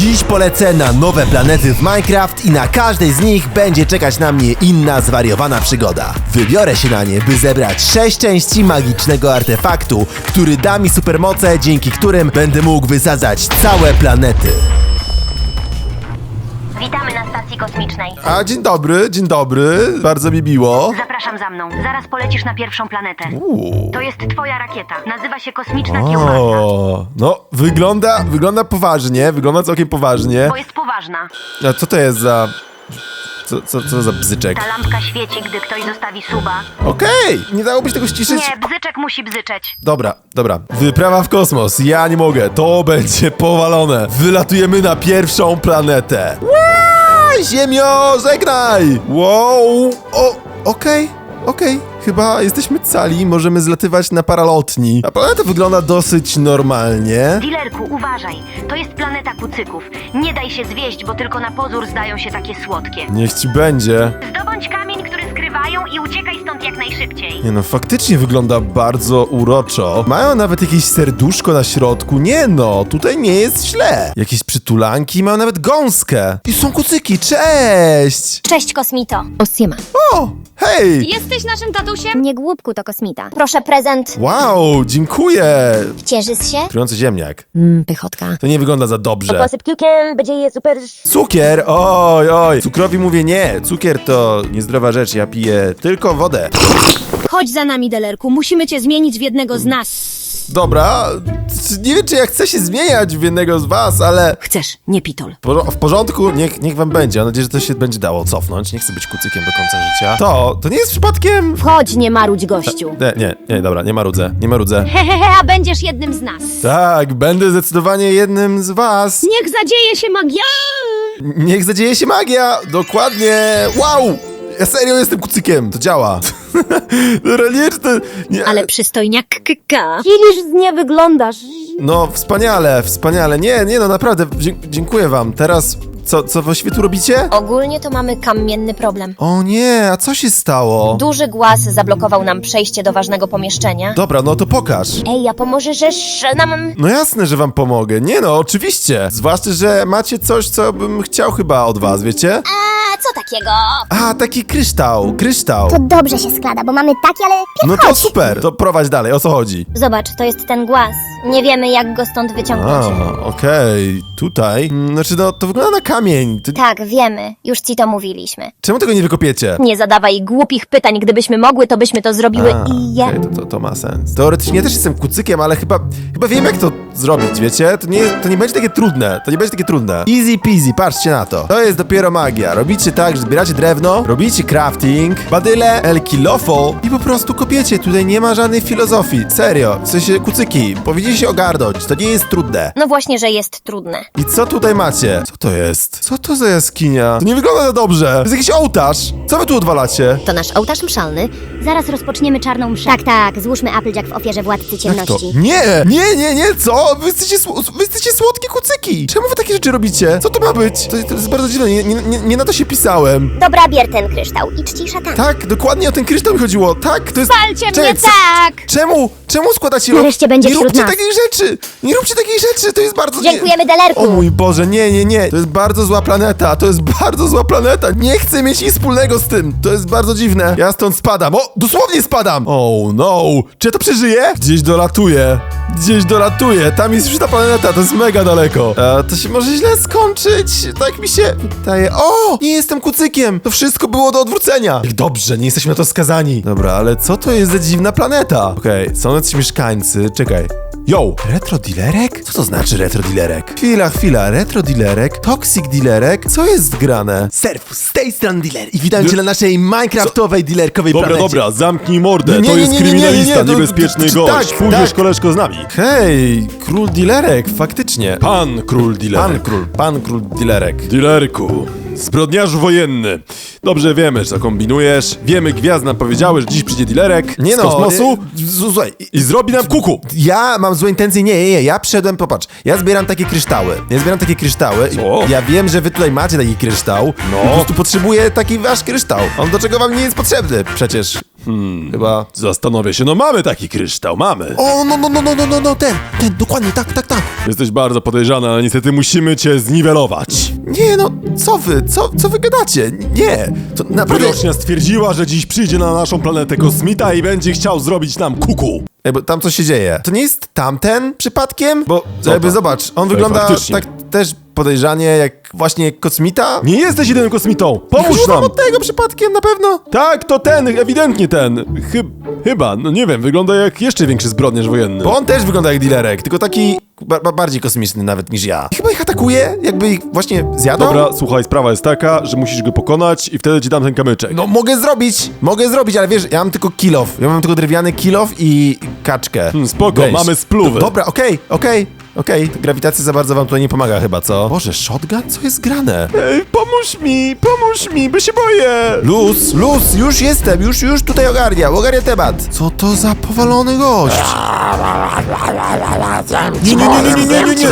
Dziś polecę na nowe planety w Minecraft i na każdej z nich będzie czekać na mnie inna zwariowana przygoda. Wybiorę się na nie, by zebrać 6 części magicznego artefaktu, który da mi supermoce, dzięki którym będę mógł wysadzać całe planety. Witamy na stacji kosmicznej. A dzień dobry, bardzo mi miło. Zapraszam za mną. Zaraz polecisz na pierwszą planetę. To jest twoja rakieta. Nazywa się Kosmiczna Kiełbasa. O, no wygląda poważnie, wygląda całkiem poważnie. Bo jest poważna. A co to jest za... Co za bzyczek? Ta lampka świeci, gdy ktoś zostawi suba. Okej, nie dałoby się tego ściszyć? Nie, bzyczek musi bzyczeć. Dobra. Wyprawa w kosmos, ja nie mogę, to będzie powalone. Wylatujemy na pierwszą planetę. Ziemio, żegnaj! Wow, okej. Chyba jesteśmy cali, możemy zlatywać na paralotni. A planeta wygląda dosyć normalnie. Dilerku, uważaj. To jest planeta kucyków. Nie daj się zwieść, bo tylko na pozór zdają się takie słodkie. Niech ci będzie. Zdobądź kamień, który skrywają i uciekaj stąd jak najszybciej. Nie no, faktycznie wygląda bardzo uroczo. Mają nawet jakieś serduszko na środku. Nie no, tutaj nie jest źle. Jakieś przytulanki, mają nawet gąskę. I są kucyki, cześć! Cześć, kosmito. Osiema. O, hej! Jesteś naszym tatusiem? Nie głupku, to kosmita. Proszę prezent. Wow, dziękuję! Cieszysz się? Trujący ziemniak. Pychotka. To nie wygląda za dobrze. Posyp kiłkiem, będzie je super. Cukier, oj. Cukrowi mówię nie. Cukier to niezdrowa rzecz, ja piję tylko wodę. Chodź za nami, Delerku. Musimy cię zmienić w jednego z nas. Dobra, nie wiem czy ja chcę się zmieniać w jednego z was, ale... Chcesz, nie pitol. W porządku, niech wam będzie. Mam nadzieję, że to się będzie dało cofnąć. Nie chcę być kucykiem do końca życia. To nie jest przypadkiem... Wchodź, nie marudź, gościu. Nie, dobra, nie marudzę. Hehehe, a będziesz jednym z nas. Tak, będę zdecydowanie jednym z was. Niech zadzieje się magia! Niech zadzieje się magia, dokładnie. Wow, ja serio jestem kucykiem, to działa. Dobra, nie. Ale przystojniak kka. Kiliż nie wyglądasz. No, wspaniale. Nie, no naprawdę, dziękuję wam. Teraz, co właściwie tu robicie? Ogólnie to mamy kamienny problem. O nie, a co się stało? Duży głaz zablokował nam przejście do ważnego pomieszczenia. Dobra, no to pokaż. Ej, a pomożesz nam? No jasne, że wam pomogę. Nie no, oczywiście. Zwłaszcza, że macie coś, co bym chciał chyba od was, wiecie? A co takiego? A, taki kryształ. To dobrze się składa, bo mamy taki, ale No to super, to prowadź dalej, o co chodzi? Zobacz, to jest ten głaz. Nie wiemy, jak go stąd wyciągnąć. Okej, tutaj. Znaczy, no, to wygląda na kamień. Tak, wiemy. Już ci to mówiliśmy. Czemu tego nie wykopiecie? Nie zadawaj głupich pytań. Gdybyśmy mogły, to byśmy to zrobiły i ja... Okej, to ma sens. Teoretycznie też jestem kucykiem, ale chyba wiem jak to zrobić, wiecie? To nie będzie takie trudne. Easy peasy, patrzcie na to. To jest dopiero magia. Robicie tak, że zbieracie drewno, robicie crafting, badyle, el kilofo i po prostu kopiecie. Tutaj nie ma żadnej filozofii. Serio. W sensie kucyki, powinniście się ogarnąć. To nie jest trudne. No właśnie, że jest trudne. I co tutaj macie? Co to jest? Co to za jaskinia? To nie wygląda za dobrze. To jest jakiś ołtarz. Co wy tu odwalacie? To nasz ołtarz mszalny. Zaraz rozpoczniemy czarną mszę. Tak, złóżmy Applejack w ofierze władcy Jak to? ciemności. Nie, co? Wy jesteście słodkie kucyki. Czemu wy takie rzeczy robicie? Co to ma być? To jest bardzo dziwne, nie na to się pisałem. Dobra, bier ten kryształ i czcij szatan. Tak, dokładnie o ten kryształ mi chodziło. Tak, to jest... Palcie Czekaj, mnie tak! Czemu składacie... Nareszcie będzie Nie wśród róbcie nas. takich rzeczy! Nie róbcie takich rzeczy, to jest bardzo... Dziękujemy, Delerku. O mój Boże, nie. To jest bardzo zła planeta, Nie chcę mieć nic wspólnego z tym. To jest bardzo dziwne. Ja stąd spadam. O, dosłownie spadam! Oh no. Czy ja to przeżyję? Gdzieś dolatuję. Tam jest już ta planeta, to jest mega daleko. To się może źle skończyć. Tak mi się wydaje. O! Nie jestem kucykiem. To wszystko było do odwrócenia. Jak dobrze, nie jesteśmy na to skazani. Dobra, ale co to jest za dziwna planeta? Okej, są jacyś mieszkańcy. Czekaj. Yo! Retrodilerek? Co to znaczy retrodilerek? Chwila, retrodilerek, toxic dilerek, co jest grane? Serwus, z tej strony dealer i witam cię na naszej minecraftowej dealerkowej planecie. Dobra, zamknij mordę, Nie, to jest nie, kryminalista, to- niebezpieczny tak, gość. tak. Pójdziesz, koleżko, z nami. Hej, król dilerek, faktycznie. Pan król dilerek. Pan król dilerek. Dilerku, zbrodniarzu wojenny. Dobrze wiemy, że kombinujesz. Wiemy, gwiazd nam powiedziały, że dziś przyjdzie dilerek Nie z no, kosmosu słuchaj, i zrobi nam kuku. ja mam złe intencje, nie, ja przyszedłem, popatrz, ja zbieram takie kryształy, i Co? ja wiem, że wy tutaj macie taki kryształ, No. i po prostu potrzebuję taki wasz kryształ, on do czego wam nie jest potrzebny, przecież. Chyba... Zastanowię się, no mamy taki kryształ, mamy. O, no, ten, dokładnie, tak. Jesteś bardzo podejrzany, ale niestety musimy cię zniwelować. Nie, no, co wy gadacie? Nie, to naprawdę... Wyrocznia stwierdziła, że dziś przyjdzie na naszą planetę kosmita i będzie chciał zrobić nam kuku. Ej, bo tam coś się dzieje. To nie jest tamten przypadkiem? Bo jakby tam? zobacz, on Ej, wygląda faktycznie. tak też podejrzanie jak właśnie kosmita. Nie jesteś jedynym kosmitą, pomóż Chyba nam. od tego przypadkiem na pewno. Tak, to ten, ewidentnie ten. Chyba, no nie wiem, wygląda jak jeszcze większy zbrodniarz wojenny. Bo on też wygląda jak dealerek, tylko taki bardziej kosmiczny nawet niż ja. Chyba ich atakuje, jakby ich właśnie zjadał. Dobra, słuchaj, sprawa jest taka, że musisz go pokonać i wtedy ci dam ten kamyczek. No mogę zrobić, ale wiesz, ja mam tylko kill off. Ja mam tylko drewniany kill off i kaczkę. Spoko, Weź. mamy spluwy. Dobra, okej. Grawitacja za bardzo wam tutaj nie pomaga chyba, co? Boże, shotgun? Co jest grane? Ej, pomóż mi, bo się boję. Luz, już jestem, już tutaj ogarnia temat. Co to za powalony gość? Nie.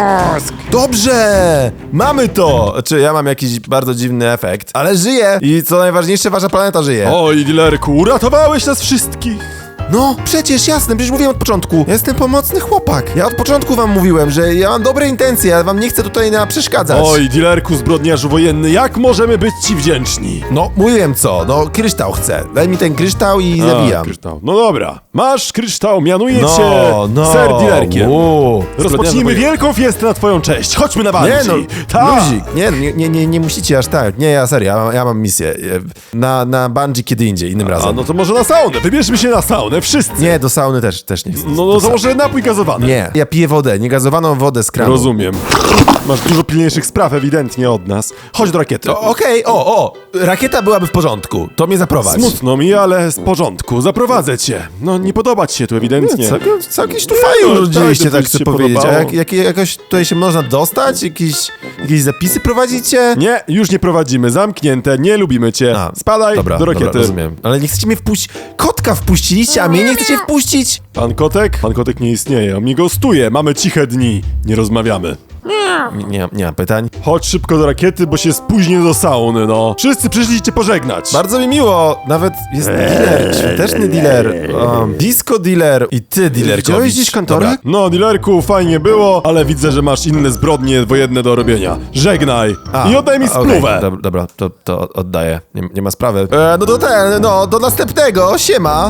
Dobrze, mamy to. Znaczy, ja mam jakiś bardzo dziwny efekt, ale żyję i co najważniejsze, wasza planeta żyje. Oj, dealerku, uratowałeś nas wszystkich. No, przecież jasne, przecież mówiłem od początku. Ja jestem pomocny chłopak. Ja od początku wam mówiłem, że ja mam dobre intencje, ale wam nie chcę tutaj przeszkadzać. Oj, dealerku, zbrodniarzu wojenny, jak możemy być ci wdzięczni? No, mówiłem co, no kryształ chcę. Daj mi ten kryształ i zabijam. Kryształ. No dobra, masz kryształ, mianuję No, cię ser dealerkiem. Rozpocznijmy Zbrodniarzu wielką fiestę na twoją cześć. Chodźmy na Nie Bungie. no, Tak. luzik, nie musicie aż tak. Nie, ja serio, ja mam misję. Na Bungie kiedy indziej, innym A razem. no to może na saunę, wybierzmy się na saunę, wszyscy. Nie, do sauny też nie chcę. No to może napój gazowany. Nie, ja piję wodę, niegazowaną wodę z kranu. Rozumiem. Masz dużo pilniejszych spraw ewidentnie od nas. Chodź do rakiety. Okej, rakieta byłaby w porządku, to mnie zaprowadź. Smutno mi, ale z porządku. Zaprowadzę cię. No nie podoba ci się tu ewidentnie. Całkiem tu fajnie urodziliście, tak, tak to chcę się powiedzieć. podobało. A jakoś tutaj się można dostać? Jakieś zapisy prowadzicie? Nie, już nie prowadzimy. Zamknięte, nie lubimy cię. Spadaj Dobra, do rakiety. Dobra, rozumiem. Ale nie chcecie mnie wpuścić. Kotka wpuściliście, a mnie nie chcecie wpuścić? Pan Kotek? Pan Kotek nie istnieje. On mi gostuje. Mamy ciche dni. Nie rozmawiamy. Nie mam pytań. Chodź szybko do rakiety, bo się spóźnię do sauny, no. Wszyscy przyszli cię pożegnać. Bardzo mi miło, nawet jest dealer, świąteczny dealer, disco dealer i ty dealer. Widziałeś gdzieś kantorek? No, dealerku, fajnie było, ale widzę, że masz inne zbrodnie wojenne do robienia. Żegnaj i oddaj mi spluwę. Okay, dobra, to oddaję, nie ma sprawy. Do następnego, siema.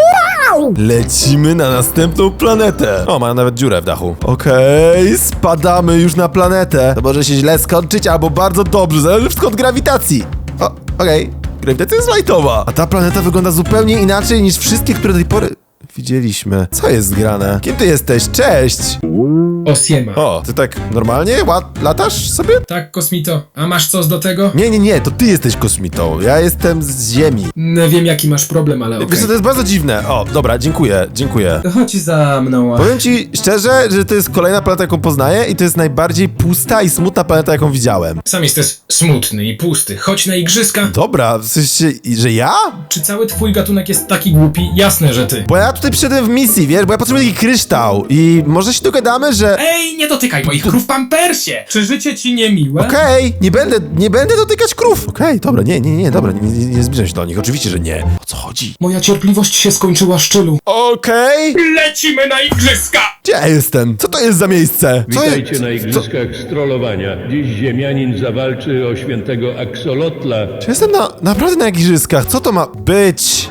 Lecimy na następną planetę. O, mają nawet dziurę w dachu. Okej, spadamy już na planetę. To może się źle skończyć, albo bardzo dobrze, zależy wszystko od grawitacji. Okej, grawitacja jest lightowa. A ta planeta wygląda zupełnie inaczej niż wszystkie, które do tej pory widzieliśmy. Co jest grane? Kim ty jesteś? Cześć! Osiema. O, ty tak normalnie latasz sobie? Tak, kosmito. A masz coś do tego? Nie, to ty jesteś kosmitą. Ja jestem z Ziemi. Nie wiem, jaki masz problem, ale okej. Wiesz co, to jest bardzo dziwne. O, dobra, dziękuję. Chodź za mną. Powiem ci szczerze, że to jest kolejna planeta, jaką poznaję i to jest najbardziej pusta i smutna planeta, jaką widziałem. Sam jesteś smutny i pusty. Chodź na igrzyska. Dobra, w sensie, że ja? Czy cały twój gatunek jest taki głupi? Jasne, że ty. Bo ja tutaj przyszedłem w misji, wiesz, bo ja potrzebuję taki kryształ i może się dogadamy, że... Ej, nie dotykaj moich krów pampersie! Czy życie ci niemiłe? Okej, nie będę dotykać krów. Okej, dobra, dobra, nie zbliżam się do nich, oczywiście, że nie. O co chodzi? Moja cierpliwość się skończyła, Szczylu. Okej, Lecimy na igrzyska! gdzie ja jestem? Co to jest za miejsce? Co Witajcie na igrzyskach strollowania. Dziś ziemianin zawalczy o świętego Axolotla. Czy jestem naprawdę na igrzyskach? Co to ma być?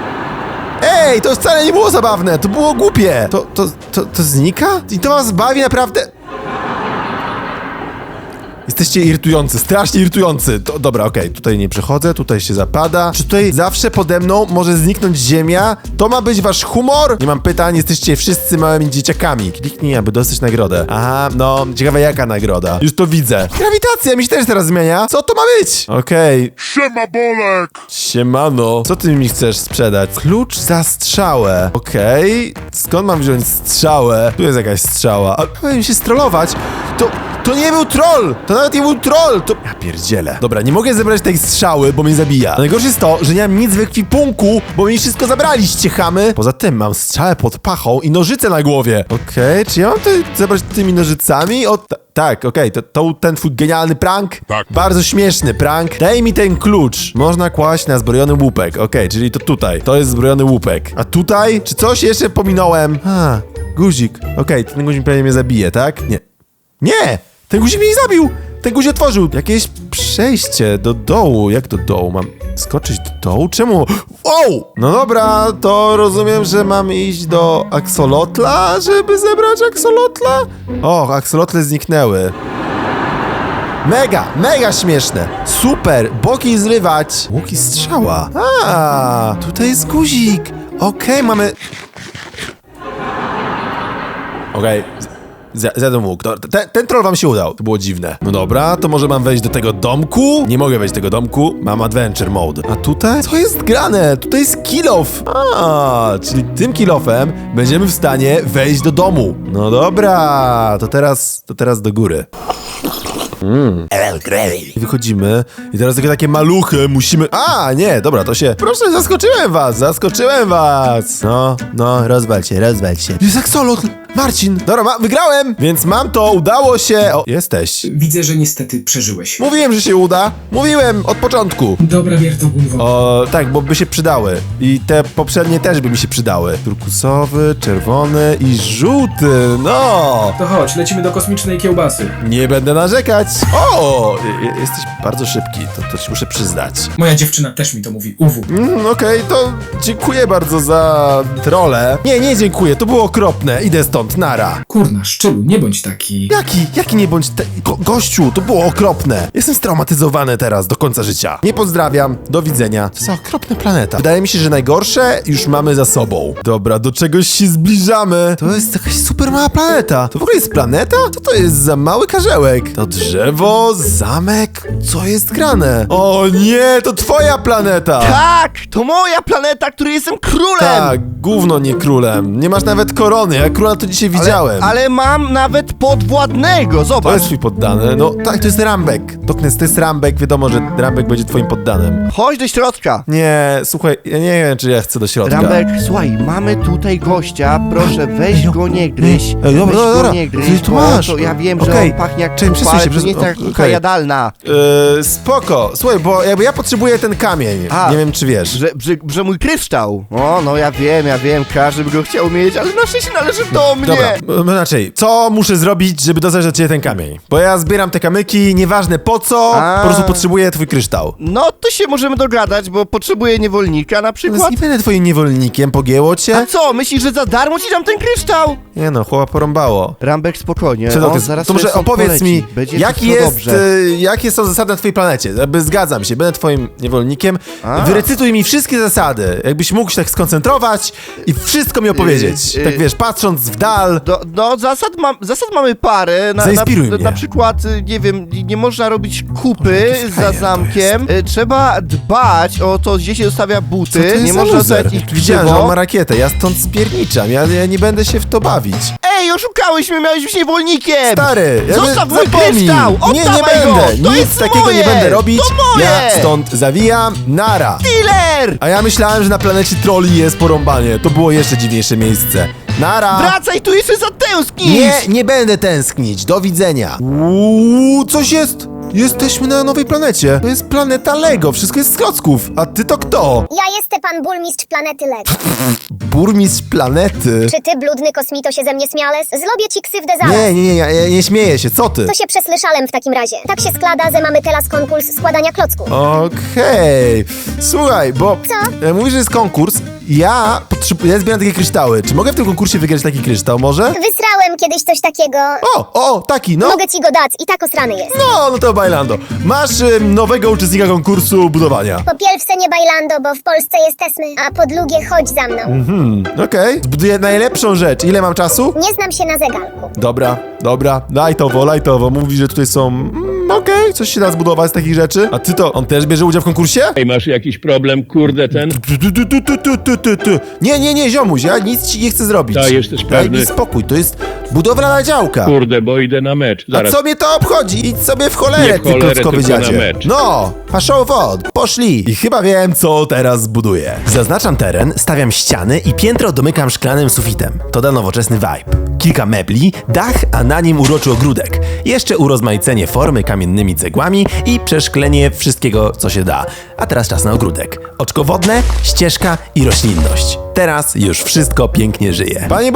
Ej, to wcale nie było zabawne, to było głupie. To znika? I to was bawi naprawdę? Jesteście irytujący, strasznie irytujący. Dobra, okej, tutaj nie przechodzę, tutaj się zapada. Czy tutaj zawsze pode mną może zniknąć ziemia? To ma być wasz humor? Nie mam pytań, jesteście wszyscy małymi dzieciakami. Kliknij, aby dostać nagrodę. Aha, no, ciekawe jaka nagroda. Już to widzę. Grawitacja mi się też teraz zmienia. Co to ma być? Okej. Siema, Bolek! Siemano. Co ty mi chcesz sprzedać? Klucz za strzałę. Okej. Skąd mam wziąć strzałę? Tu jest jakaś strzała. A powinien się strollować. To nie był troll! To nawet nie był troll! To... Ja pierdzielę. Dobra, nie mogę zebrać tej strzały, bo mnie zabija. A najgorsze jest to, że nie mam nic w ekwipunku, bo mi wszystko zabraliście, chamy. Poza tym mam strzałę pod pachą i nożyce na głowie. Okej, czy ja mam tutaj zebrać tymi nożycami? Tak, okej, to ten twój genialny prank? Tak. Bardzo śmieszny prank. Daj mi ten klucz. Można kłaść na zbrojony łupek. Okej, czyli to tutaj. To jest zbrojony łupek. A tutaj? Czy coś jeszcze pominąłem? Guzik. Okej, ten guzik pewnie mnie zabije, tak? Nie. Nie! Ten guzik mnie nie zabił! Ten guzik otworzył jakieś przejście do dołu. Jak do dołu? Mam skoczyć do dołu? Czemu? O! No dobra, to rozumiem, że mam iść do aksolotla, żeby zebrać aksolotla? O, aksolotle zniknęły. Mega śmieszne. Super, boki zrywać. Łuki strzała. Tutaj jest guzik. Okej, mamy... Okej. Zjadłem łuk. Ten troll wam się udał. To było dziwne. No dobra, to może mam wejść do tego domku? Nie mogę wejść do tego domku. Mam adventure mode. A tutaj? Co jest grane? Tutaj jest kill off. Czyli tym kill offem będziemy w stanie wejść do domu. No dobra, to teraz do góry. Wychodzimy i teraz takie maluchy musimy... nie, dobra, to się... Proszę, zaskoczyłem was! No, rozwal się. Jest aksolotl! Marcin! Dobra, wygrałem! Więc mam to, udało się... O, jesteś. Widzę, że niestety przeżyłeś. Mówiłem, że się uda. Mówiłem od początku. Dobra, wiertogłowo. O, tak, bo by się przydały. I te poprzednie też by mi się przydały. Turkusowy, czerwony i żółty, no! To chodź, lecimy do kosmicznej kiełbasy. Nie będę narzekać. O! Jesteś bardzo szybki, to ci muszę przyznać. Moja dziewczyna też mi to mówi, UW. Okej, to dziękuję bardzo za trolę. Nie dziękuję, to było okropne. Idę stąd, nara. Kurna, Szczylu, nie bądź taki. Jaki nie bądź... Gościu, to było okropne. Jestem straumatyzowany teraz do końca życia. Nie pozdrawiam, do widzenia. To jest okropna planeta. Wydaje mi się, że najgorsze już mamy za sobą. Dobra, do czegoś się zbliżamy. To jest jakaś super mała planeta. To w ogóle jest planeta? Co to jest za mały karzełek? To drzewo, zamek, co jest grane? O nie, to twoja planeta. Tak, to moja planeta, której jestem królem! Tak, gówno nie królem. Nie masz nawet korony, ja króla to dzisiaj widziałem. Ale mam nawet podwładnego, To zobacz. jest twój poddany. No tak, to jest Rambek. Doknes, to jest Rambek, wiadomo, że Rambek będzie twoim poddanym. Chodź do środka. Nie, słuchaj, ja nie wiem, czy ja chcę do środka. Rambek, słuchaj, mamy tutaj gościa, proszę weź go nie gryź. Ej, dobra, Weź dobra. go nie Ty gryź, tu bo masz. to ja wiem, że Okej. on pachnie jak Czekaj, kupa, przesuń ale się, to nie jest taka kupa okej. jadalna. Spoko. Słuchaj, bo jakby ja potrzebuję ten kamień. Nie wiem, czy wiesz. Że mój kryształ. O, no ja wiem, każdy by go chciał mieć, ale na szczęście należy do mnie. Dobra, inaczej, co muszę zrobić, żeby dostać od ciebie ten kamień? Bo ja zbieram te kamyki, nieważne po co, po prostu potrzebuję twój kryształ. No to się możemy dogadać, bo potrzebuję niewolnika na Więc przykład. nie będę twoim niewolnikiem, pogięło cię? A co, myślisz, że za darmo ci dam ten kryształ? Nie no, chłopa porąbało. Rambek, spokojnie. To Zaraz może sobie stąd opowiedz poleci. mi, Będzie jakie są zasady na twojej planecie? Jakby zgadzam się, będę twoim niewolnikiem. Wyrecytuj mi wszystkie zasady. Jakbyś mógł się tak skoncentrować i wszystko mi opowiedzieć. Tak wiesz, patrząc w dal. No, zasad mamy parę. Zainspiruj mnie. Na przykład, nie wiem, nie można robić kupy Jaki za frajer zamkiem. Trzeba dbać o to, gdzie się zostawia Co to buty. jest Nie za można loser? zostawiać ich Widziałem, że on ma krzywo. rakietę, ja stąd spierniczam, ja nie będę się w to bawić. Ej, oszukałeś mnie, miałeś być niewolnikiem! Stary, Zostaw mój zapomnij. kryształ! Nie Oddawaj będę, go! To nic jest takiego moje! nie będę robić. To moje! Ja stąd zawijam, nara. Dealer! A ja myślałem, że na planecie trolli jest porąbanie. To było jeszcze dziwniejsze miejsce. Nara! Wracaj tu, jeszcze zatęsknisz! Nie będę tęsknić. Do widzenia. Coś jest. Jesteśmy na nowej planecie. To jest planeta Lego. Wszystko jest z klocków. A ty to kto? Ja jestem pan burmistrz planety Lego. Burmistrz planety. Czy ty, bludny kosmito, się ze mnie śmiales? Zrobię ci ksywdę zaraz. Ja nie śmieję się. Co ty? To się przesłyszałem w takim razie. Tak się składa, że mamy teraz konkurs składania klocków. Okej. Słuchaj, bo Co? mówisz, że jest konkurs. Ja zbieram takie kryształy. Czy mogę w tym konkursie wygrać taki kryształ może? Wysrałem kiedyś coś takiego. Taki, no. Mogę ci go dać i tak osrany jest. No to bailando. Masz nowego uczestnika konkursu budowania. Po pierwsze nie bailando, bo w Polsce jesteśmy, a po drugie chodź za mną. Okej. Zbuduję najlepszą rzecz. Ile mam czasu? Nie znam się na zegarku. Dobra. Lajtowo. Mówi, że tutaj są... Okej, coś się da zbudować z takich rzeczy. A ty to, on też bierze udział w konkursie? Ej, masz jakiś problem, kurde, ten? Nie, ziomuś, ja nic ci nie chcę zrobić. Ta, jesteś Daj pewny? mi spokój, to jest budowlana działka. Kurde, bo idę na mecz. A Zaraz. co mnie to obchodzi? Idź sobie w cholerę, Nie w ty cholerę, klockowy tylko na dziadzie. mecz. No, paszą wod, poszli. I chyba wiem, co teraz zbuduję. Zaznaczam teren, stawiam ściany i piętro domykam szklanym sufitem. To da nowoczesny vibe. kilka mebli, dach, a na nim uroczy ogródek. Jeszcze urozmaicenie formy kamiennymi cegłami i przeszklenie wszystkiego, co się da. A teraz czas na ogródek. Oczko wodne, ścieżka i roślinność. Teraz już wszystko pięknie żyje. Panie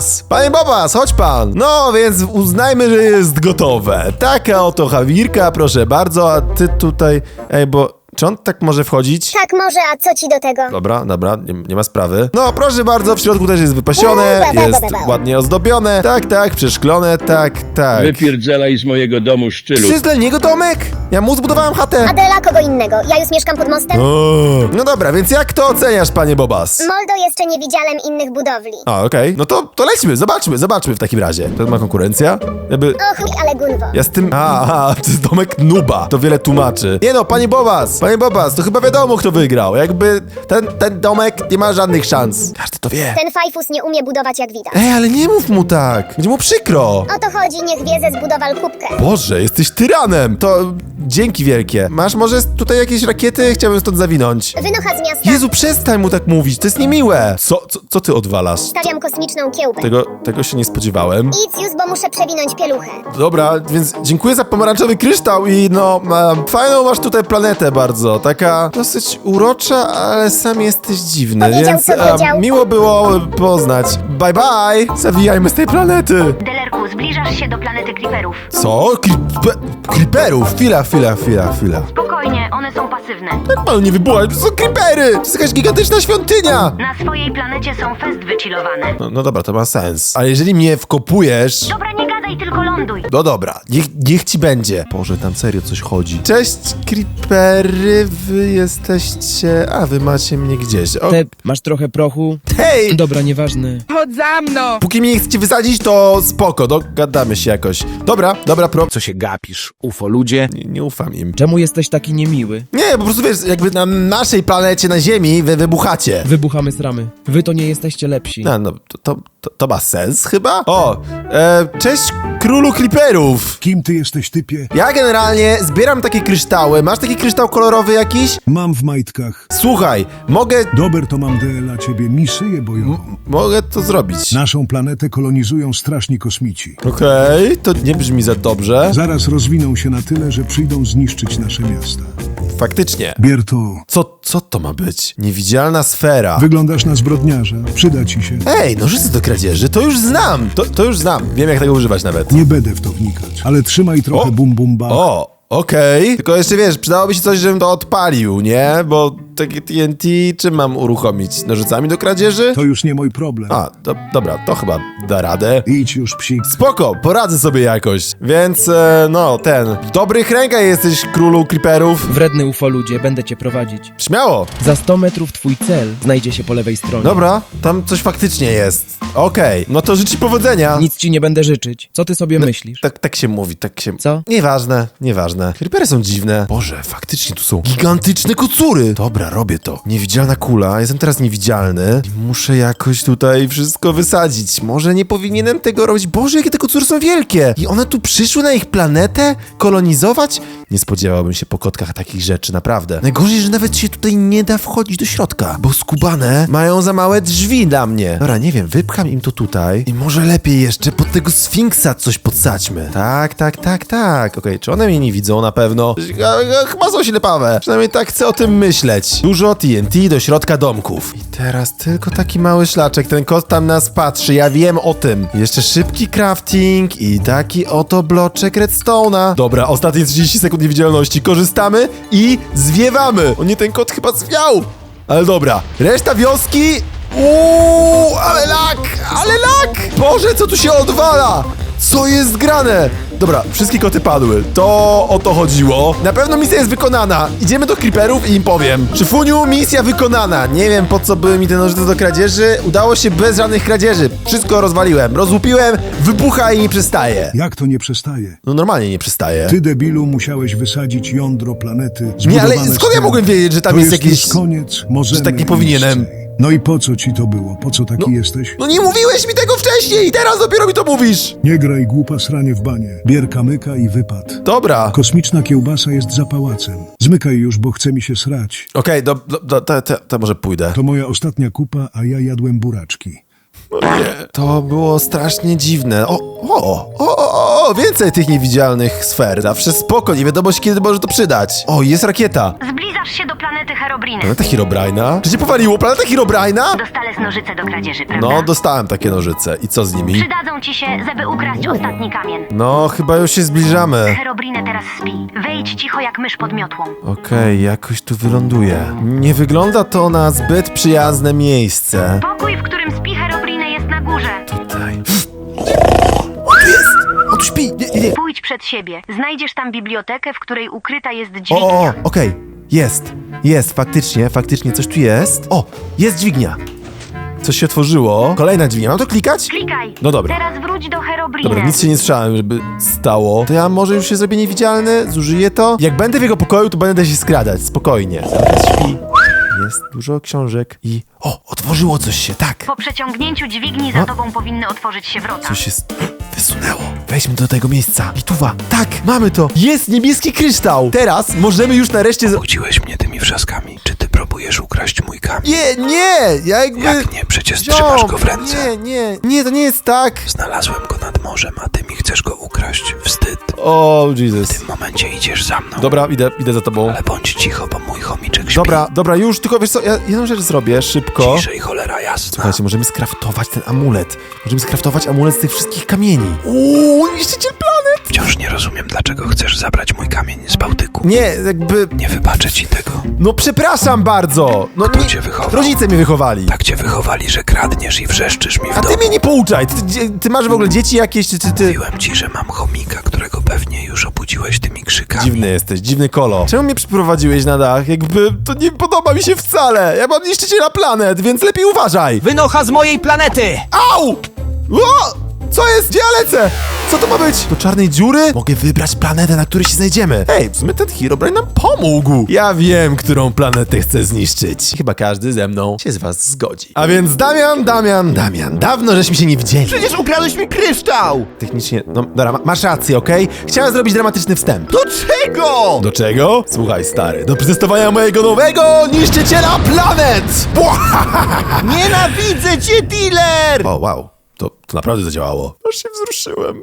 Bobas, chodź pan. No, więc uznajmy, że jest gotowe. Taka oto chawirka, proszę bardzo, a ty tutaj... Ej, bo... Czy on tak może wchodzić? Tak może, a co ci do tego? Dobra, nie ma sprawy. No, proszę bardzo, w środku też jest wypasione, jest ładnie ozdobione. Tak, przeszklone, tak. Wypierdzielaj z mojego domu, szczylu. Czy to jest dla niego domek? Ja mu zbudowałem chatę. Adela kogo innego. Ja już mieszkam pod mostem. No dobra, więc jak to oceniasz, panie Bobas? Moldo jeszcze nie widziałem innych budowli. A, okej. No to lećmy, zobaczmy w takim razie. To ma konkurencja? Jakby... Och, ale gunwo. Ja z tym... to jest domek Nuba. To wiele tłumaczy. Nie no, panie Bobas, to chyba wiadomo, kto wygrał. Jakby ten domek nie ma żadnych szans. Każdy to wie. Ten fajfus nie umie budować jak widać. Ej, ale nie mów mu tak. Będzie mu przykro. O to chodzi, niech wie ze zbudowal kubkę. Boże, jesteś tyranem. To dzięki wielkie. Masz może tutaj jakieś rakiety? Chciałbym stąd zawinąć. Wynocha z miasta. Jezu, przestań mu tak mówić. To jest niemiłe. Co ty odwalasz? Stawiam kosmiczną kiełbę. Tego się nie spodziewałem. Idź już, bo muszę przewinąć pieluchę. Dobra, więc dziękuję za pomarańczowy kryształ i fajną masz tutaj planetę bardzo. Taka dosyć urocza, ale sam jesteś dziwny, Powiedział, więc co powiedział. miło było poznać. Bye bye! Zawijajmy z tej planety. Delerku, zbliżasz się do planety Creeperów. Co? Creeperów? Chwila. Spokojnie, one są pasywne. Jak panu nie wybuchać? To są creepery! To jest jakaś gigantyczna świątynia! Na swojej planecie są fest wychillowane. No dobra, to ma sens. Ale jeżeli mnie wkopujesz... Dobra, nie gadaj, tylko ląduj. No dobra, niech ci będzie. Boże, tam serio coś chodzi. Cześć, creepery, wy jesteście... A, wy macie mnie gdzieś. Masz trochę prochu? Hej! Dobra, nieważne. Chodź za mną! Póki mnie nie chcecie wysadzić, to spoko, dogadamy się jakoś. Dobra, Co się gapisz, ufo ludzie? Nie ufam im. Czemu jesteś taki niemiły? Nie, po prostu wiesz, jakby na naszej planecie, na Ziemi, wy wybuchacie. Wybuchamy sramy. Wy to nie jesteście lepsi. No, to ma sens chyba? Cześć królu creeperów. Kim ty jesteś, typie? Ja generalnie zbieram takie kryształy. Masz taki kryształ kolorowy jakiś? Mam w majtkach. Słuchaj, mogę... Dober to mam dla ciebie misję bojową. Mogę to zrobić. Naszą planetę kolonizują straszni kosmici. Okej, to nie brzmi za dobrze. Zaraz rozwiną się na tyle, że przyjdą zniszczyć nasze miasta. Faktycznie. Bier to. Co to ma być? Niewidzialna sfera. Wyglądasz na zbrodniarza. Przyda ci się. Ej, nożyce do kradzieży, to już znam. To już znam. Wiem, jak tego używać nawet. Nie będę w to wnikać. Ale trzymaj trochę bum bum ba. Okej. Tylko jeszcze wiesz, przydałoby się coś, żebym to odpalił, nie? Bo takie TNT czym mam uruchomić? Nożycami do kradzieży? To już nie mój problem. Dobra, to chyba da radę. Idź już, psik. Spoko, poradzę sobie jakoś. Więc, w dobrych rękach jesteś, królu creeperów. Wredny ufo ludzie, będę cię prowadzić. Śmiało. Za 100 metrów twój cel znajdzie się po lewej stronie. Dobra, tam coś faktycznie jest. Okej, no to życzę ci powodzenia. Nic ci nie będę życzyć. Co ty sobie myślisz? Tak się mówi, Co? Nieważne. Creepery są dziwne. Boże, faktycznie tu są gigantyczne kocury. Dobra, robię to. Niewidzialna kula, jestem teraz niewidzialny. Muszę jakoś tutaj wszystko wysadzić. Może nie powinienem tego robić. Boże, jakie te kocury są wielkie. I one tu przyszły na ich planetę? Kolonizować? Nie spodziewałbym się po kotkach takich rzeczy, naprawdę. Najgorzej, że nawet się tutaj nie da wchodzić do środka, bo skubane mają za małe drzwi dla mnie. Dobra, nie wiem, wypcham im to tutaj i może lepiej jeszcze pod tego sfinksa coś podsadźmy. Tak. Okej, czy one mnie nie widzą na pewno? Chyba są ślepawe. Przynajmniej tak chcę o tym myśleć. Dużo TNT do środka domków. I teraz tylko taki mały szlaczek. Ten kot tam nas patrzy, ja wiem o tym. Jeszcze szybki crafting i taki oto bloczek redstone'a. Dobra, ostatnie 30 sekund niewidzialności. Korzystamy i zwiewamy. O nie, ten kot chyba zwiał. Ale dobra, reszta wioski... ale lag! Boże, co tu się odwala? Co jest grane? Dobra, wszystkie koty padły. To o to chodziło. Na pewno misja jest wykonana. Idziemy do creeperów i im powiem. Szyfuniu, misja wykonana. Nie wiem, po co były mi te nożyce do kradzieży. Udało się bez żadnych kradzieży. Wszystko rozwaliłem, rozłupiłem, wybucha i nie przestaje. Jak to nie przestaje? No normalnie nie przestaje. Ty, debilu, musiałeś wysadzić jądro planety. Nie, ale skąd ja mogłem wiedzieć, że tam to jest jakieś... już koniec, możemy że tak nie powinienem. iść. No i po co ci to było? Po co taki jesteś? No nie mówiłeś mi tego wcześniej i teraz dopiero mi to mówisz. Nie graj głupa sranie w banie. Bier kamyka i wypad. Dobra. Kosmiczna kiełbasa jest za pałacem. Zmykaj już, bo chce mi się srać. Okej, to może pójdę. To moja ostatnia kupa, a ja jadłem buraczki. O nie. To było strasznie dziwne. Więcej tych niewidzialnych sfer. Zawsze spoko, nie wiadomo się kiedy może to przydać. O, jest rakieta. Zbliżasz się do planety Herobrine. Planeta Herobrine'a? Czy cię powaliło? Planeta Herobrine'a? Dostałeś nożyce do kradzieży, prawda? No, dostałem takie nożyce. I co z nimi? Przydadzą ci się, żeby ukraść ostatni kamień. No, chyba już się zbliżamy. Herobrine teraz śpi. Wejdź cicho jak mysz pod miotłą. Okej, jakoś tu wyląduję. Nie wygląda to na zbyt przyjazne miejsce. Pokój, w którym śpi Herobrine, jest na górze. Tutaj. On tu jest! On tu śpi! Nie. Pójdź przed siebie. Znajdziesz tam bibliotekę, w której ukryta jest dźwignia. Okej. Jest, faktycznie coś tu jest. O, jest dźwignia. Coś się otworzyło. Kolejna dźwignia. Mam to klikać? Klikaj. No dobra. Teraz wróć do Herobrine. Dobra, nic się nie słyszałem, żeby stało. To ja może już się zrobię niewidzialny, zużyję to. Jak będę w jego pokoju, to będę się skradać, spokojnie. Zaraz śpi. Jest dużo książek i... O, otworzyło coś się, tak. Po przeciągnięciu dźwigni za tobą powinny otworzyć się wrota. Coś się wysunęło. Wejdźmy do tego miejsca. Lituwa. Tak, mamy to. Jest niebieski kryształ. Teraz możemy już nareszcie... Budziłeś mnie tymi wrzaskami. Czy ty próbujesz ukraść mój kamień? Nie, ja jakby... Jak nie? Przecież trzymasz go w ręce. Nie, to nie jest tak. Znalazłem go nad morzem, a ty mi chcesz go ukraść. Wstyd. O, Jesus. W tym momencie idziesz za mną. Dobra, idę za tobą. Ale bądź cicho, bo mój chomiczek śpi. Dobra, już, tylko wiesz co, ja jedną rzecz zrobię, szybko. Ciszej, cholera jasna. Słuchajcie, możemy skraftować ten amulet. Możemy skraftować amulet z tych wszystkich kamieni. Niszczyciel planet! Wciąż nie rozumiem, dlaczego chcesz zabrać mój kamień z Bałtyku. Nie, jakby... Nie wybaczę ci tego. No przepraszam bardzo. No Kto cię wychował? Rodzice mnie wychowali. Tak cię wychowali, że kradniesz i wrzeszczysz mi w A domu. ty mnie nie pouczaj. Ty masz w ogóle dzieci jakieś, czy ty... Mówiłem ci, że mam chomika, którego pewnie już obudziłeś tymi krzykami. Dziwny jesteś, dziwny kolo. Czemu mnie przyprowadziłeś na dach? Jakby to nie podoba mi się wcale. Ja mam niszczyciela planet, więc lepiej uważaj. Wynocha z mojej planety! Au! O! Co jest? Gdzie ja lecę? Co to ma być? Do czarnej dziury? Mogę wybrać planetę, na której się znajdziemy. Hej, w sumie ten Herobrine nam pomógł. Ja wiem, którą planetę chcę zniszczyć. Chyba każdy ze mną się z was zgodzi. A więc Damian, dawno żeśmy się nie widzieli. Przecież ukradłeś mi kryształ! Technicznie, no dobra, masz rację, okej? Chciałem zrobić dramatyczny wstęp. Do czego? Do czego? Słuchaj, stary, do przetestowania mojego nowego niszczyciela planet! Nienawidzę cię, dealer! O, wow. To naprawdę zadziałało. Aż się wzruszyłem.